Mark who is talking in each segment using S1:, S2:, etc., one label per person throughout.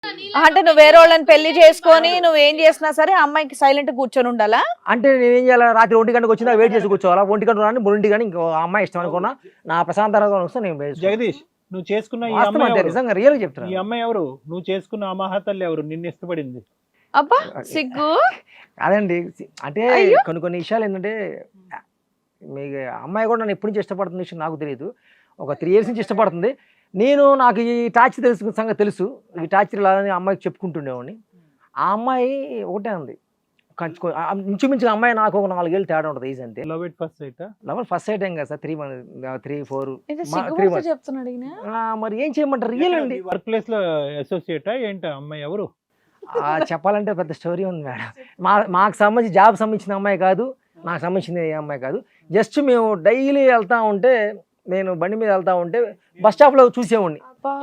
S1: అంటే నువ్వు వేరే వాళ్ళని పెళ్లి చేసుకొని నువ్వేం చేసినా సరే ఆ అమ్మాయికి సైలెంట్ కూర్చొని ఉండాలా?
S2: అంటే నేనేం చేయాలి, రాత్రి 1 గంటకు వచ్చినా వెయిట్ చేసి కూర్చోవాలా? 1 గంట రాని 3 గంట ఇంకో అమ్మాయి ఇష్టం అనుకున్నా నా ప్రశాంతంగా వస్తే నేను బయట
S3: జగదీష్, నువ్వు చేసుకున్న ఈ
S2: వాస్తవం
S3: అమ్మాయి
S2: అంటే
S3: ఎవరు?
S2: నిజంగా రియల్ గా చెప్తున్నా.
S3: ఈ అమ్మాయి ఎవరు? నువ్వు చేసుకున్న ఆ మహాతల్లి ఎవరు నిన్ను ఇష్టపడింది?
S1: అబ్బా సిగ్గు.
S2: అదండి అంటే కొన్ని విషయాలు ఏంటంటే మీకు అమ్మాయి కూడా నన్ను ఎప్పటి నుంచి ఇష్టపడుతున్న విషయం నాకు తెలియదు. ఒక 3 years నుంచి ఇష్టపడుతుంది. నాకు ఈ టార్చర్ సంగతి తెలుసు. ఈ టార్చర్ ఇలా అమ్మాయికి చెప్పుకుంటుండేవాడిని. ఆ అమ్మాయి ఒకటే ఉంది, ఇంచుమించుగా అమ్మాయి నాకు ఒక 4 ఏళ్ళు తేడా ఉంటుంది ఏజ్ అంతే.
S3: Love at first sight?
S2: Love first sight ఏం కదా సార్, 3-4
S1: చెప్తున్నాడు ఈయన.
S2: మరి ఏం చేయమంటారు, రియల్ అండి.
S3: వర్క్ ప్లేస్ లో అసోసియేటా ఏంటా అమ్మాయి ఎవరు?
S2: చెప్పాలంటే పెద్ద స్టోరీ ఉంది మేడం. మాకు సంబంధించి జాబ్ సంబంధించిన అమ్మాయి కాదు, నాకు సంబంధించిన ఏ అమ్మాయి కాదు. జస్ట్ మేము డైలీ వెళ్తా ఉంటే, నేను బండి మీద వెళ్తా ఉంటే బస్ స్టాప్ లో చూసేవాడిని,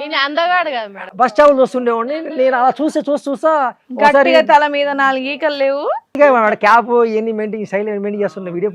S2: బస్ స్టాప్ లో చూస్తుండేవాడిని. నేను అలా చూస్తా
S1: గట్టిగా తల మీద 4 ఈకలు లేవు,
S2: క్యాప్ ఇవన్నీ మెయింటైన్ స్టైల్ మెయింటైన్ చేస్తున్న వీడియో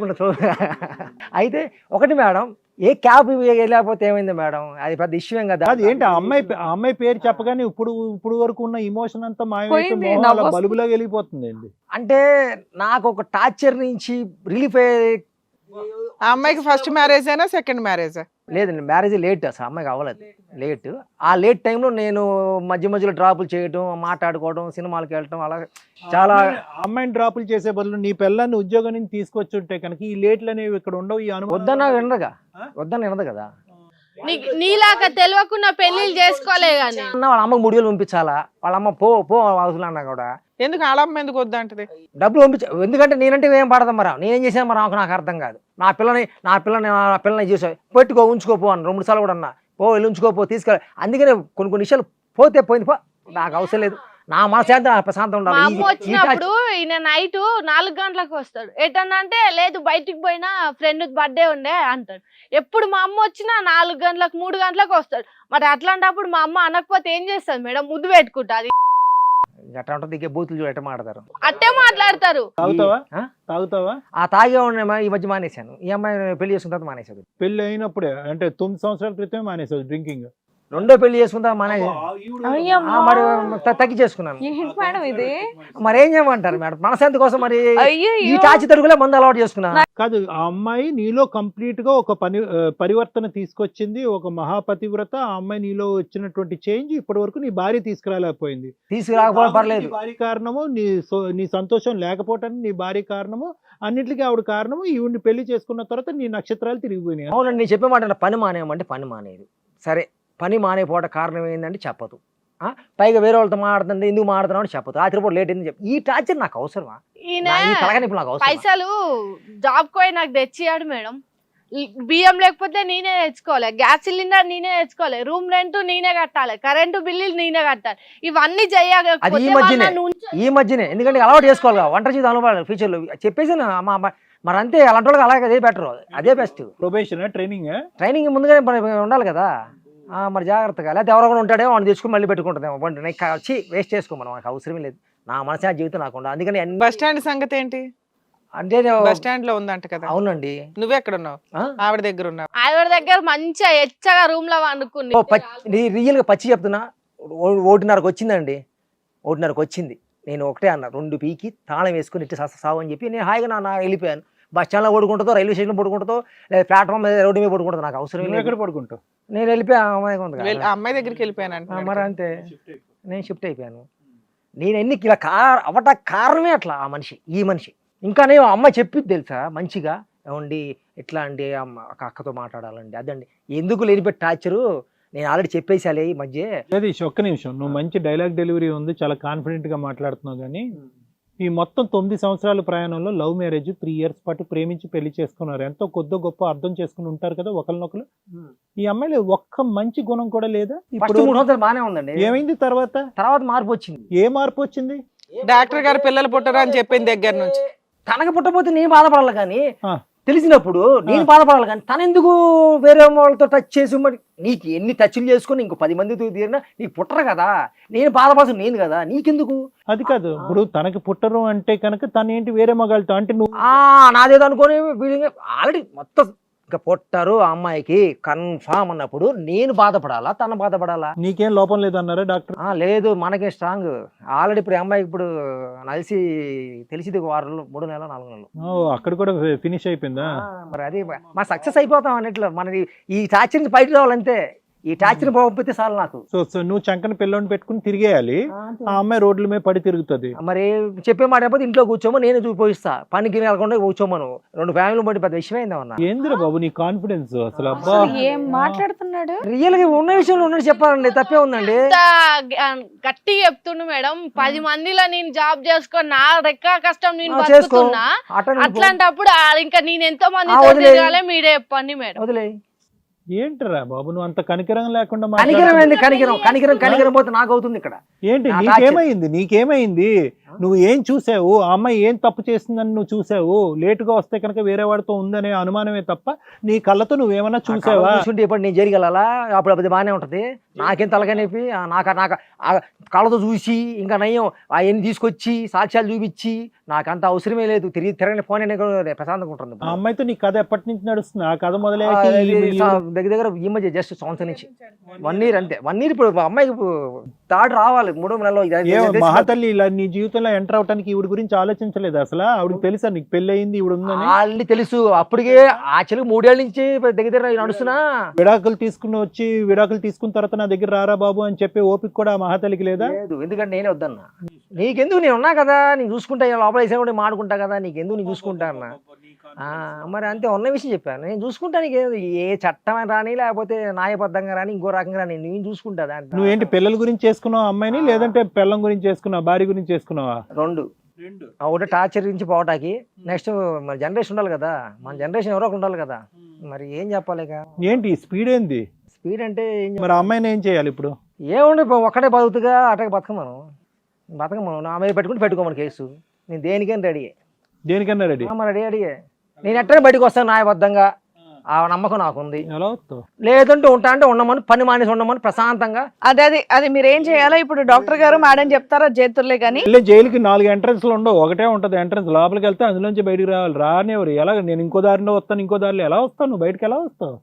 S2: అయితే ఒకటి మేడం, ఏ క్యాప్ లేకపోతే ఏమైంది మేడం, అది పెద్ద ఇష్యూ ఏం కదా.
S3: అది ఏంటి ఆ అమ్మాయి పేరు చెప్పగానే ఇప్పుడు వరకు ఉన్న ఇమోషన్ అంతా
S1: పోయింది,
S3: మాయమైపోయి బలుబులా వెళ్ళిపోతుంది ఏంటి
S2: అంటే నాకు ఒక టార్చర్ నుంచి రిలీఫ్ అయ్యే.
S4: ఆ అమ్మాయికి ఫస్ట్ మ్యారేజ్ అయినా సెకండ్ మ్యారేజ్?
S2: లేదండి, మ్యారేజ్ లేట్, అసలు అమ్మాయికి అవ్వలేదు, లేట్. ఆ లేట్ టైంలో నేను మధ్యలో డ్రాపులు చేయడం, మాట్లాడుకోవడం, సినిమాలకు వెళ్ళటం, అలా చాలా.
S3: అమ్మాయిని డ్రాపులు చేసే బదులు నీ పిల్లల్ని ఉద్యోగం నుంచి తీసుకొచ్చి ఉంటే కనుక ఈ లేట్లు అనేవి ఇక్కడ ఉండవు. ఈ అనుభవం
S2: వద్దన్నా వినదు కదా.
S5: నీలాగా తెలియకుండా పెళ్లిళ్ళు చేసుకోలే గానీ
S2: వాళ్ళ అమ్మకి 3 వేలు పంపించాలా, వాళ్ళ అమ్మ పో అవసరం అన్నా కూడా
S4: ఎందుకు ఆడమ్మ ఎందుకు వద్దంటది?
S2: డబ్బులు పంపించ, ఎందుకంటే నేనంటే ఏం పడతాం మరి, నేనేం చేసాను మరి, నాకు అర్థం కాదు. నా పిల్లని చూసా, పెట్టుకో ఉంచుకోపో అని 2 సార్లు కూడా అన్నా, వెళ్ళి ఉంచుకోపో తీసుకెళ్ళి. అందుకనే కొన్ని విషయాలు పోయింది నాకు అవసరం లేదు, నా మనశాంతి ప్రశాంతం
S5: మా అమ్మ
S2: ఉండాలి.
S5: వచ్చినప్పుడు ఈయన నైట్ 4 గంటలకు వస్తాడు. ఎటన్నా అంటే లేదు బయటికి పోయినా ఫ్రెండ్ బర్త్డే ఉండే అంటాడు. ఎప్పుడు మా అమ్మ వచ్చినా 4 గంటలకు 3 గంటలకు వస్తాడు. మరి అట్లాంటప్పుడు మా అమ్మ అనకపోతే ఏం చేస్తుంది మేడం? ముద్దు పెట్టుకుంటాది.
S2: ఎట్లా ఉంటుంది, ఇక బూతులు చూడ ఎట్లా మాట్లాడతారు,
S5: అట్టే మాట్లాడతారు.
S3: తాగుతావా?
S2: ఆ తాగే ఉన్న ఈ మధ్య మానేశాను. ఈ అమ్మాయి పెళ్లి చేసుకున్న తర్వాత మానేశాడు.
S3: పెళ్లి అయినప్పుడే అంటే 9 సంవత్సరాల క్రితమే మానేసావు డ్రింకింగ్?
S2: రెండో పెళ్లి చేసుకుంటా మానేసి మరి తగ్గించేసుకున్నాను.
S1: ఇది
S2: మరి ఏం చేయమంటారు మేడం, మనశాంతి కోసం మరి ఈ టాచి తరుగులే మందు అలవాటు చేసుకున్నాను.
S3: కాదు, ఆ అమ్మాయి నీలో కంప్లీట్ గా ఒక పరివర్తన తీసుకొచ్చింది, ఒక మహాపతివ్రత. ఆ అమ్మాయి నీలో వచ్చినటువంటి చేంజ్ ఇప్పటి వరకు నీ భార్య తీసుకురాలేకపోయింది.
S2: తీసుకురాకపోవడం పర్లేదు,
S3: భార్య కారణము, నీ సంతోషం లేకపోవటానికి నీ భార్య కారణము, అన్నిటికీ ఆవిడ కారణము. ఈవిడ్ని పెళ్లి చేసుకున్న తర్వాత నీ నక్షత్రాలు తిరిగిపోయినాయి.
S2: అవునండి, నేను చెప్పే మాట పని మానేయమంటే పని మానేది. సరే, పని మానేపోవడం కారణం ఏంటంటే చెప్పదు. పైగా వేరే వాళ్ళతో మాట్లాడుతుంది, ఎందుకు మాట్లాడుతున్నావు అని చెప్పదు. రాత్రిపూట లేట్ అయింది చెప్పు. ఈ టార్చర్ నాకు అవసరమా?
S5: పైసలు జాబ్ కోయి నాకు తెచ్చియాడు మేడం. బియ్యం లేకపోతే నేనే తెచ్చుకోవాలి, గ్యాస్ సిలిండర్ నేనే తెచ్చుకోవాలి, రూమ్ రెంట్ నేనే కట్టాలి, కరెంటు బిల్లులు నేనే కట్టాలి. ఇవన్నీ చేయాలి
S2: ఈ మధ్యనే, ఎందుకంటే అలవాటు చేసుకోవాలి, వంట చేసి అలవాటు ఫ్యూచర్ లో చెప్పేసి మరి అంతే. అలాంటి వాళ్ళకి అలాగే అదే బెటర్, అదే బెస్ట్.
S3: ప్రొబేషన్
S2: ట్రైనింగ్ ముందుగానే ఉండాలి కదా. మరి జాగ్రత్తగా, లేకపోతే ఎవరో కూడా ఉంటాడేమో వాడిని తెచ్చుకుని మళ్ళీ పెట్టుకుంటుందేమో. వచ్చి వేస్ట్ చేసుకోమని నాకు అవసరమే లేదు. నా మనసా జీవితం నాకు ఉండదు. అందుకని
S4: బస్ స్టాండ్ సంగతి ఏంటి?
S2: అంటే
S4: బస్ స్టాండ్ లో ఉందంట కదా.
S2: అవునండి.
S4: నువ్వు ఎక్కడ ఉన్నావు? ఆవిడ దగ్గర ఉన్నావు.
S5: ఆవిడ దగ్గర మంచిగా ఎచ్చగా రూమ్ లో వండుకుని.
S2: రియల్ గా పచ్చి చెప్తున్నా, 1:30కి వచ్చిందండి. 1:30కి వచ్చింది. నేను ఒకటే అన్నా, 2 పీకి తాళం వేసుకుని ఇట్టి సావు అని చెప్పి నేను హాయిగా వెళ్ళిపోయాను. బస్ స్టాండ్ లో పడుకుంటుందో, రైల్వే స్టేషన్ పడుకుంటుందో, లేదా ప్లాట్ఫామ్ మీద రోడ్డు మీద పడుకుంటుందో నాకు అవసరం.
S3: ఎక్కడ పడుకుంటావు?
S2: నేను వెళ్ళిపోయా
S4: అమ్మాయి దగ్గరికి వెళ్ళిపోయాను.
S2: మరి అంతే, నేను షిఫ్ట్ అయిపోయాను. నేను ఎన్ని ఇలా అవట కారణమే అట్లా ఆ మనిషి, ఈ మనిషి. ఇంకా నేను అమ్మ చెప్పిద్ది తెలుసా మంచిగా, ఏమండి ఎట్లా అండి అక్కతో మాట్లాడాలండి, అదండి ఎందుకు లేనిపెట్టి టార్చరు. నేను ఆల్రెడీ చెప్పేసాలే ఈ మధ్య.
S3: ఒక్క నిమిషం, నువ్వు మంచి డైలాగ్ డెలివరీ ఉంది, చాలా కాన్ఫిడెంట్ గా మాట్లాడుతున్నావు. కానీ ఈ మొత్తం 9 సంవత్సరాల ప్రయాణంలో లవ్ మ్యారేజ్ 3 years పాటు ప్రేమించి పెళ్లి చేసుకున్నారు. ఎంతో కొద్ది గొప్ప అర్థం చేసుకుని ఉంటారు కదా ఒకరినొకరు. ఈ అమ్మాయిలో ఒక్క మంచి గుణం కూడా లేదా?
S2: ఇప్పుడు 3 సంవత్సరాలు బాగానే ఉందండి.
S3: ఏమైంది తర్వాత
S2: మార్పు వచ్చింది.
S3: ఏ మార్పు వచ్చింది?
S4: డాక్టర్ గారు పిల్లలు పుట్టరా అని చెప్పింది దగ్గర నుంచి.
S2: తనకు పుట్టపోతే నేను బాధపడాలి కానీ, తెలిసినప్పుడు నేను బాధపడాలి కానీ, తను ఎందుకు వేరే వాళ్ళతో టచ్ చేసి మరి నీకు ఎన్ని టచ్లు చేసుకుని ఇంకో 10 మందితో తీరినా నీకు పుట్టరు కదా, నేను బాధపడాల్సిన నేను కదా, నీకెందుకు?
S3: అది కాదు, ఇప్పుడు తనకి పుట్టరు అంటే కనుక తను ఏంటి వేరే మగాళ్ళతో అంటే నువ్వు
S2: నాదేదో అనుకోని ఆల్రెడీ మొత్తం ఇంకా పుట్టరు ఆ అమ్మాయికి కన్ఫామ్ అన్నప్పుడు నేను బాధపడాలా తన బాధపడాలా?
S3: నీకేం లోపం లేదన్నారా డాక్టర్?
S2: లేదు, మనకే స్ట్రాంగ్. ఆల్రెడీ ఇప్పుడు ఈ అమ్మాయికి ఇప్పుడు నలిసి తెలిసింది 6 నెలలు 3 నెలలు 4 నెలలు.
S3: అక్కడ కూడా ఫినిష్ అయిపోయిందా?
S2: మరి అది మా సక్సెస్ అయిపోతాం అన్నట్లు. మనకి ఈ టార్చర్ నుంచి బయటకు రావాలంటే, ఈ టార్చర్ పోకపోతే చాలు నాకు.
S3: సో నువ్వు చంకన పిల్లని పెట్టుకుని తిరిగేయాలి, ఆ అమ్మాయి రోడ్ల మీద పడి తిరుగుతుంది.
S2: మరి చెప్పే మాట అయిపోతే ఇంట్లో కూర్చోమో, నేనే చూపిస్తా. పనికి వెళ్ళకుండా కూర్చోమను. 2 ఫ్యామిలీ బట్టి పెద్ద విషయం అయిందన్నా.
S3: ఏందిరా బాబు నీ కాన్ఫిడెన్స్ అసలు? అబ్బా,
S1: ఏం మాట్లాడుతున్నాడు?
S2: రియల్ గా ఉన్న విషయంలో ఉన్నది చెప్పాలండి, తప్పే ఉందండి.
S5: గట్టి చెప్తుండు మేడం. 10 మందిలో నేను జాబ్ చేసుకొని నా రెక్క కష్టం నేను
S2: చేసుకో.
S5: బతుకుతున్నా. అట్లాంటప్పుడు ఇంకా నేను ఎంతో మంది తిరగాలి, మీరే చెప్పండి మేడం.
S2: వదిలే.
S3: ఏంటరా బాబు నువ్వు అంత కనికరం లేకుండా
S2: కనికరం ఏంది? కనికరం పోతే నాకు అవుతుంది ఇక్కడ.
S3: ఏంటి నీకేమైంది? నువ్వు ఏం చూసావు? ఆ అమ్మాయి ఏం తప్పు చేసిందని నువ్వు చూసావు? లేటుగా వస్తే కనుక వేరే వాడితో ఉందనే అనుమానమే తప్ప నీ కళ్ళతో నువ్వేమన్నా చూసావా?
S2: చూసుకుంటే ఇప్పుడు నేను జరిగెళ్ళాలా? అప్పుడు అది బాగానే ఉంటది. నాకేం తలకనేపి నాకు కళ్ళతో చూసి ఇంకా నయ్యం అవన్నీ తీసుకొచ్చి సాక్ష్యాలు చూపించి నాకంత అవసరమే లేదు. తిరగని ఫోన్ అనే ప్రశాంతంగా ఉంటుంది.
S3: ఆ అమ్మాయితో నీ కథ ఎప్పటి నుంచి నడుస్తుంది? ఆ కథ మొదలై
S2: దగ్గర ఈ మధ్య జస్ట్ సంవత్సరం నుంచి 1 year అంతే. 1 year ఇప్పుడు అమ్మాయికి థర్డ్ రావాలి 3 నెలలు.
S3: మహాతల్లి ఇలా నీ జీవితంలో ఎంటర్ అవడానికి ఈవిడ గురించి ఆలోచించలేదు అసలు? ఆవిడకి తెలుసా నీకు పెళ్లి అయింది ఈవిడ ఉందని?
S2: ఆల్రెడీ తెలుసు. అప్పటికే ఆ చెలుగు 3 ఏళ్ళ నుంచి దగ్గర నడుస్తున్నా.
S3: విడాకులు తీసుకున్న తర్వాత నా దగ్గర రారా బాబు అని చెప్పి ఓపిక కూడా మహాతల్లికి లేదా?
S2: లేదు, ఎందుకంటే నేనే వద్దన్నా. నీకెందుకు, నేను ఉన్నా కదా, నేను చూసుకుంటా. లోపల వేసా కూడా మాడుకుంటా కదా, నీకెందుకు, నేను చూసుకుంటా అన్నా. మరి అంతే, ఉన్న విషయం చెప్పాను. నేను చూసుకుంటా. నీకు ఏ చట్టం రాని, లేకపోతే న్యాయబద్ధంగా రాని, ఇంకో రకంగా రాని, నేను చూసుకుంటా. దాంట్లో
S3: నువ్వేంటి పిల్లల గురించి చేసుకున్నావు అమ్మాయిని, లేదంటే పిల్లం గురించి చేసుకున్నావా, భార్య గురించి చేసుకున్నావా?
S2: 2. ఒకటి టార్చర్ నుంచి పోవటానికి, నెక్స్ట్ మన జనరేషన్ ఉండాలి కదా, మన జనరేషన్ ఎవరో ఉండాలి కదా. మరి ఏం చెప్పాలి?
S3: ఏంటి స్పీడ్ ఏంది?
S2: స్పీడ్ అంటే
S3: మరి అమ్మాయిని ఏం చేయాలి ఇప్పుడు?
S2: ఏముంది, ఒక్కడే బతుకుగా అటకి బతకమను. నా మీద పెట్టుకోమని కేసు. నేను దేనికైనా రెడీ.
S3: దేనికన్నా రెడీ?
S2: రెడీ. నేను ఎట్టనే బయటకు వస్తాను న్యాయబద్ధంగా. ఆ నమ్మకం నాకుంది.
S3: ఎలా వస్తావు?
S2: లేదంటే ఉంటా అంటే ఉండమని, పని మానేసి ఉండమని ప్రశాంతంగా.
S1: అది మీరు ఏం చేయాలో ఇప్పుడు డాక్టర్ గారు మేడం చెప్తారా? చేతుర్లే కానీ
S3: జైలుకి 4 ఎంట్రన్స్లు ఉండవు, ఒకటే ఉంటది ఎంట్రన్స్. లోపలికి వెళ్తే అందులోంచి బయటికి రావాలి. రానివ్వరు. ఎలా? నేను ఇంకో దారిలో వస్తాను, ఇంకో దారిలో ఎలా వస్తావు? నువ్వు బయటకు ఎలా వస్తావు?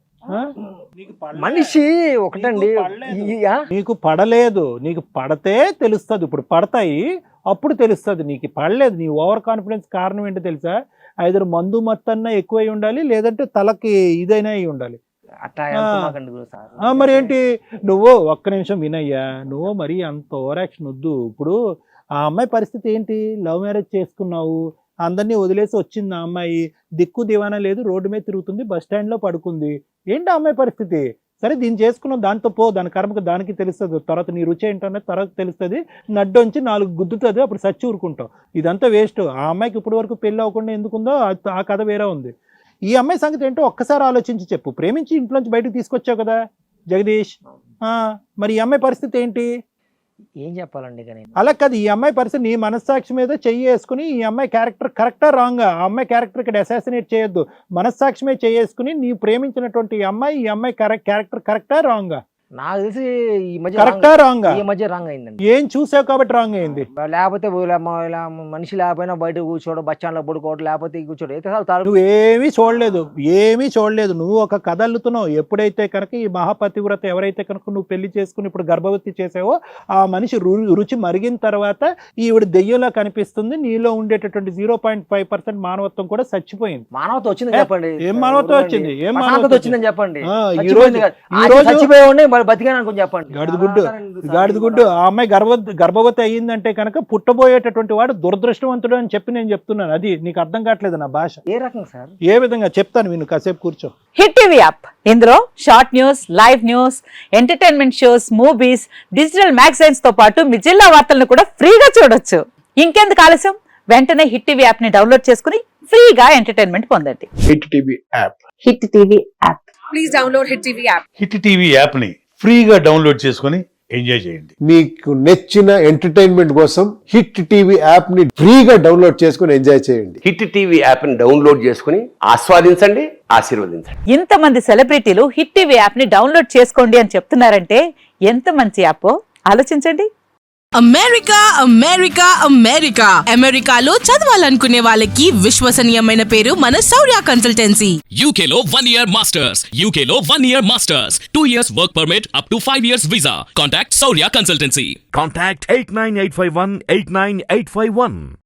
S2: మనిషి ఒకటండి.
S3: నీకు పడలేదు, నీకు పడితే తెలుస్తుంది. ఇప్పుడు పడతాయి, అప్పుడు తెలుస్తుంది. నీకు పడలేదు. నీ ఓవర్ కాన్ఫిడెన్స్ కారణం ఏంటో తెలుసా? ఐదరు మందు మత్తన్నా ఎక్కువై ఉండాలి, లేదంటే తలకి ఇదైనా అయి ఉండాలి. మరి ఏంటి? నువ్వు ఒక్క నిమిషం వినయ్యా, నువ్వు మరి అంత ఓవర్ యాక్షన్ వద్దు. ఇప్పుడు ఆ అమ్మాయి పరిస్థితి ఏంటి? లవ్ మ్యారేజ్ చేసుకున్నావు, అందరినీ వదిలేసి వచ్చింది ఆ అమ్మాయి. దిక్కు దివానా లేదు, రోడ్డు మీద తిరుగుతుంది, బస్ స్టాండ్ లో పడుకుంది. ఏంటి ఆ అమ్మాయి పరిస్థితి? సరే, దీన్ని చేసుకున్నావు, దాంతో పో, దాని కర్మకు దానికి తెలుస్తుంది. తర్వాత నీ రుచి ఏంటనే తర్వాత తెలుస్తుంది. నడ్డొంచి 4 గుద్దుతుంది, అప్పుడు సచ్చి ఊరుకుంటావు. ఇదంతా వేస్ట్. ఆ అమ్మాయికి ఇప్పటి వరకు పెళ్ళి అవ్వకుండా ఎందుకుందో ఆ కథ వేరే ఉంది. ఈ అమ్మాయి సంగతి ఏంటో ఒక్కసారి ఆలోచించి చెప్పు. ప్రేమించి ఇంట్లోంచి బయటకు తీసుకొచ్చావు కదా జగదీష్. మరి ఈ అమ్మాయి పరిస్థితి ఏంటి?
S2: ఏం చెప్పాలండి?
S3: అలా కాదు, ఈ అమ్మాయి పరిస్థితి నీ మనస్సాక్షి మీద చెయ్యి వేసుకుని, ఈ అమ్మాయి క్యారెక్టర్ కరెక్టా రాంగా? ఆ అమ్మాయి క్యారెక్టర్ ఇక్కడ అసాసినేట్ చేయొద్దు. మనస్సాక్షి మీద చెయ్యేసుకుని నీ ప్రేమించినటువంటి ఈ అమ్మాయి క్యారెక్టర్ కరెక్టా రాంగా?
S2: నాకు తెలిసి ఈ మధ్య
S3: కరెక్టా రాంగా?
S2: ఈ మధ్య రాంగ్ అయిందండి.
S3: ఏం చూసావు కాబట్టి రాంగ్ అయింది?
S2: లేకపోతే మనిషి లేకపోయినా బయట కూర్చోవడం, బచ్చాన్లో పడుకోవడం, లేకపోతే కూర్చోవడం.
S3: నువ్వు ఏమీ చూడలేదు. నువ్వు ఒక కథ అల్లుతున్నావు. ఎప్పుడైతే కనుక ఈ మహాపతివ్రత ఎవరైతే కనుక నువ్వు పెళ్లి చేసుకుని ఇప్పుడు గర్భవతి చేసావో, ఆ మనిషి రుచి మరిగిన తర్వాత ఈవిడ దెయ్యంలా కనిపిస్తుంది. నీలో ఉండేటటువంటి 0.5% మానవత్వం కూడా చచ్చిపోయింది.
S2: మానవత్వం వచ్చింది చెప్పండి.
S3: ఏం మానవత్వం వచ్చింది? ఏం మానవత్వం వచ్చిందని
S2: చెప్పండి.
S3: ఈ రోజు
S2: చచ్చిపోయి బతికాను చెప్పండి.
S3: గాడిదగుడ్డు. ఆ అమ్మాయి గర్భవతి అయ్యిందంటే కనుక పుట్టబోయేటటువంటి వాడు దురదృష్టవంతుడు అని చెప్పి నేను చెప్తున్నాను. అది నీకు అర్థం కావట్లేదు నా భాష.
S2: ఏ రకం సార్?
S3: ఏ విధంగా చెప్తాను విను, కాసేపు కూర్చో.
S6: హిట్ టీవీ యాప్, ఇందులో short news, live news, entertainment shows, movies, digital magazines తో పాటు మీ జిల్లా వార్తలను కూడా ఫ్రీగా చూడొచ్చు. ఇంకెందుకు ఆలస్యం? వెంటనే హిట్ టీవీ యాప్ ని డౌన్లోడ్ చేసుకుని ఫ్రీగా ఎంటర్టైన్మెంట్ పొందండి.
S7: Hit TV app.
S6: Hit TV app.
S8: Please download hit TV app.
S7: Hit TV app ని ఫ్రీగా డౌన్లోడ్ చేసుకుని ఎంజాయ్ చేయండి.
S9: మీకు నచ్చిన ఎంటర్టైన్మెంట్ కోసం హిట్ టీవీ యాప్ ని ఫ్రీగా డౌన్లోడ్ చేసుకుని ఎంజాయ్ చేయండి.
S10: హిట్ టీవీ యాప్ ని డౌన్లోడ్ చేసుకుని ఆస్వాదించండి, ఆశీర్వదించండి.
S6: ఇంతమంది సెలబ్రిటీలు హిట్ టీవీ యాప్ ని డౌన్లోడ్ చేసుకోండి అని చెప్తున్నారంటే ఎంత మంచి యాప్ ఆలోచించండి.
S8: అమెరికా అమెరికా అమెరికా అమెరికాలో చదవాలనుకునే వాళ్ళకి విశ్వసనీయమైన పేరు మన శౌర్య కన్సల్టెన్సీ.
S11: UK లో 1 year masters. UK లో 1 year masters. 2 years work permit up to 5 years visa. Contact Saurya Consultancy.
S12: Contact 89851 89851.